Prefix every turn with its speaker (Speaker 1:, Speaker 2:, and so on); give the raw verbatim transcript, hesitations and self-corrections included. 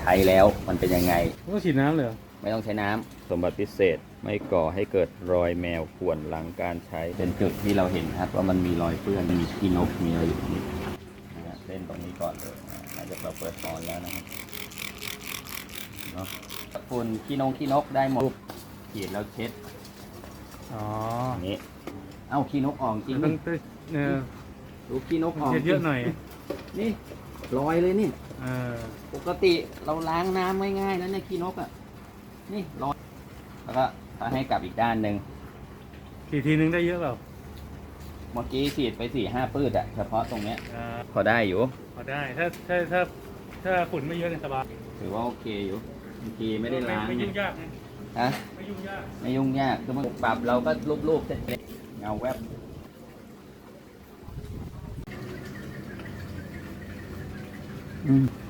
Speaker 1: ใช้แล้วมันเป็นยังไง
Speaker 2: ต้องฉีดน้ำเลยเหรอ
Speaker 1: ไม่ต้องใช้น้ำสมบัติพิเศษไม่ก่อให้เกิดรอยแมวข่วนหลังการใช้เป็นจุดที่เราเห็นครับว่ามันมีรอยเปื้อนมีขี้นกมีอะไรอยู่นี่นะเส้นตรงนี้ก่อนเลยหลังจากเราเปิดฟอนแล้วนะครับเนาะฝุ่นขี้นงขี้นกได้หมดขีดแล้วเช็ด
Speaker 2: อ๋อ
Speaker 1: นี้เอ้าขี้นกออกจริง
Speaker 2: ต้องเออ
Speaker 1: ดูขี้นกออก
Speaker 2: เยอะหน่อย
Speaker 1: นี่รอยเลยนี่
Speaker 2: เออ
Speaker 1: ปกติเราล้างน้ำง่ายๆแล้วเนี่ยขี้นกอ่ะนี่รอยแล้วก็ให้กลับอีกด้านหนึ่ง
Speaker 2: กี่ทีนึงได้เยอะเปล่า
Speaker 1: เมื่อกี้ฉีดไปสี่ห้าปื้ดอะเฉพาะตรงเนี้ยพอได้อยู่
Speaker 2: พอได้ถ้าถ้าถ้าถ้าฝุ่นไม่เยอะเนี่ยสบาย
Speaker 1: ถือว่าโอเคอยู่บางทีไม่ได้ล้าง
Speaker 2: ไม่ยุ่งยาก
Speaker 1: ฮะ
Speaker 2: ไม่ยุ่งยาก
Speaker 1: ไม่ยุ่งยากคือมันปรับเราก็รูปๆเสร็จเงาแวบอืม